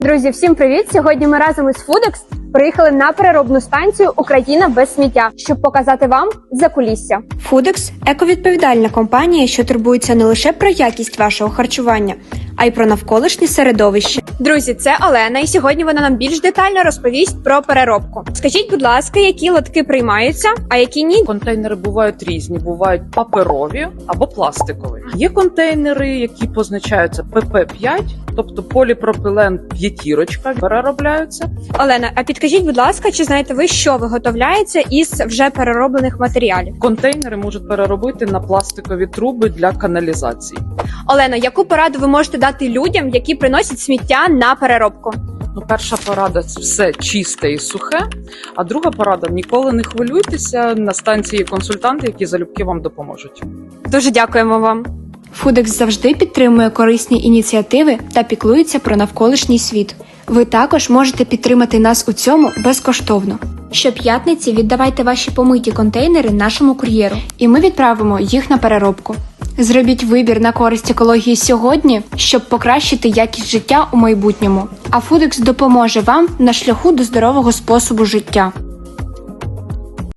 Друзі, всім привіт! Сьогодні ми разом із Фудекс приїхали на переробну станцію «Україна без сміття», щоб показати вам закулісся. Фудекс – ековідповідальна компанія, що турбується не лише про якість вашого харчування, а й про навколишнє середовище. Друзі, це Олена, і сьогодні вона нам більш детально розповість про переробку. Скажіть, будь ласка, які лотки приймаються, а які ні? Контейнери бувають різні, бувають паперові або пластикові. Є контейнери, які позначаються ПП5, тобто поліпропілен п'ятірочка, переробляються. Олена, а підкажіть, будь ласка, чи знаєте ви, що виготовляється із вже перероблених матеріалів? Контейнери можуть переробити на пластикові труби для каналізації. Олена, яку пораду ви можете дати людям, які приносять сміття на переробку? Перша порада – це все чисте і сухе, а друга порада – ніколи не хвилюйтеся, на станції є консультанти, які залюбки вам допоможуть. Дуже дякуємо вам. Фудекс завжди підтримує корисні ініціативи та піклується про навколишній світ. Ви також можете підтримати нас у цьому безкоштовно. Щоп'ятниці віддавайте ваші помиті контейнери нашому кур'єру, і ми відправимо їх на переробку. Зробіть вибір на користь екології сьогодні, щоб покращити якість життя у майбутньому. А Фудекс допоможе вам на шляху до здорового способу життя.